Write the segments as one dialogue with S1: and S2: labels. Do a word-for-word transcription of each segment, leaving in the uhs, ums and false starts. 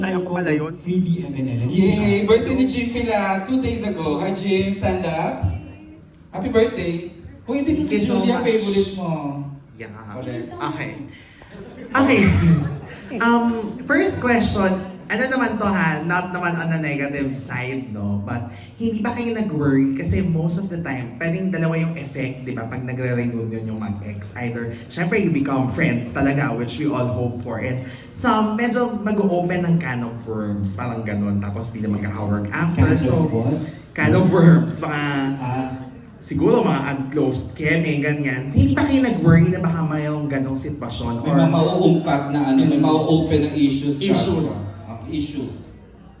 S1: Ayaw ko pala yun.
S2: Free D M N L.
S3: Yay! Birthday ni Jim pila two days ago. Hi Jim, stand up. Happy birthday. Kung hindi
S1: Thank you
S3: si
S1: so
S3: Julia,
S1: much.
S3: favorite mo.
S1: Yeah.
S3: Correct.
S1: Okay. Okay. Um, first question, ano naman to ha, not naman on the negative side, no? But hindi ba kayo nag-worry? Kasi most of the time, pwedeng dalawa yung effect, di ba? Pag nagre-reunion yung mag-ex. Either, syempre you become friends talaga, which we all hope for. And some, medyo mag-open ng can of worms, parang ganun. Tapos di na magkaka-work after.
S2: Can of
S1: so,
S2: what?
S1: Can of worms. Mga,
S2: Ah,
S1: siguro mga unclosed keme, ganyan. Hindi ba kayo nag-worry na baka mayroong ganong sitwasyon?
S3: May mga mauungkat na ano, may mau-open na issues.
S1: Issues.
S3: Joshua. Ah, issues.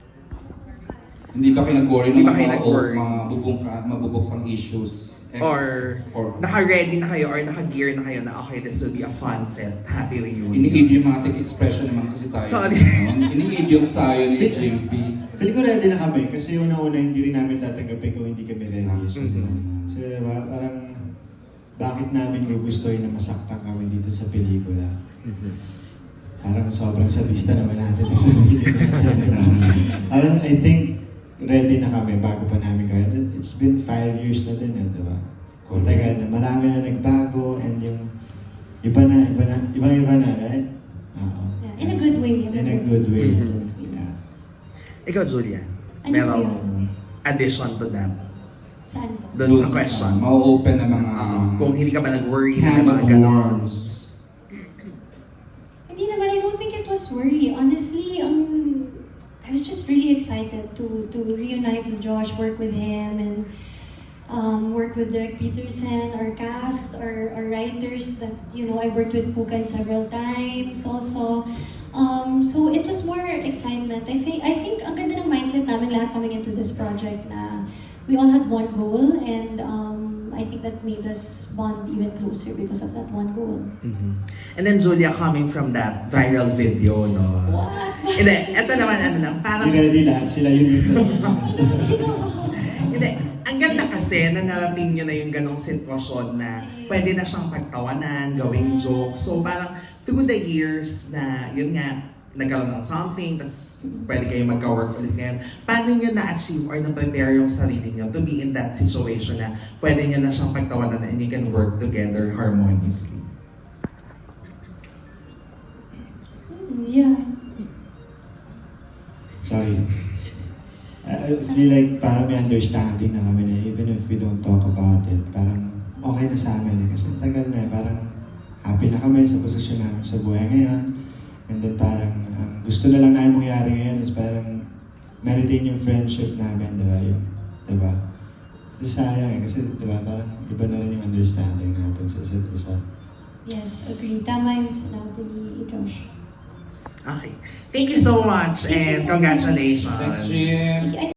S3: Hindi ba kayo nag-worry
S1: Hindi
S3: na
S1: ba kayo
S3: mga
S1: nag-worry?
S3: mabubungka, mabubuksang issues? Ex,
S1: Or,
S3: or
S1: naka-ready na kayo or naka-gear na kayo na okay, this will be a fun set, happy reunion.
S3: ini-idiomatic expression naman kasi tayo.
S1: Sorry.
S3: No? Ini-idioms tayo ni Jim P.
S2: feel ko ready na kami kasi una-una hindi rin namin tatanggapin kung hindi kami ready.
S1: Mhm.
S2: So, diba, parang bakit namin gugustuhin na masaktan kami dito sa pelikula?
S1: Mhm.
S2: Parang sobrang sadista naman natin sa sarili natin. Diba? Parang I think ready na kami bago pa namin gawin. It's been five years na din, eh, diba? Kung tagal na, marami na nagbago and yung iba na, iba na, ibang-iba na, right? Oo.
S4: Yeah, in a good way.
S2: In a good way.
S1: Mhm.
S2: Yeah.
S1: Ikaw, Julia,
S4: Ano
S1: merong
S4: yun?
S1: addition to that.
S4: Saan po?
S1: Doon sa question.
S3: Uh, mau-open na mga
S1: Oo. Kung hindi ka ba nag-worry na
S3: can
S1: mga
S3: of
S1: ganon.
S3: worms.
S4: Hindi naman, I don't think it was worry. Honestly, um, I was just really excited to to reunite with Josh, work with him, and um, work with Derek Peterson, our cast, our, our writers that, you know, I've worked with Kukay several times also. Um, so it was more excitement. I think, I think ang ganda ng mindset namin lahat coming into this project na we all had one goal, and um, I think that made us bond even closer because of that one goal.
S1: Mhm. And then Julia, coming from that viral video, no?
S4: What?
S1: Hindi, eto naman ano lang, parang...
S2: Hindi ready lahat sila yun dito.
S1: Hindi, ang ganda kasi na narating nyo na yung ganong sitwasyon na pwede na siyang pagtawanan, gawing joke. So parang through the years na yun nga, nagkaroon ng something, tapos pwede kayo magka-work ulit ngayon. Paano nyo na-achieve or na-prepare yung sarili nyo to be in that situation na pwede nyo na siyang pagtawanan and you can work together harmoniously?
S4: Hmm, yeah.
S2: Sorry. I I feel like parang may understanding na kami na even if we don't talk about it, parang okay na sa amin eh. Kasi tagal na eh, parang happy na kami sa posisyon namin sa buhay ngayon. And then parang ang gusto na lang namin mangyari ngayon is parang ma-retain yung friendship namin, di ba? Yung, di ba? So sayang eh, kasi di ba parang iba na rin yung understanding natin sa isa't isa.
S4: Yes, agree. Tama yung sinabi ni Josh.
S1: Okay. Thank you so much
S4: Thank you
S1: and
S4: so much.
S1: congratulations.
S3: Thanks, Jim.
S4: I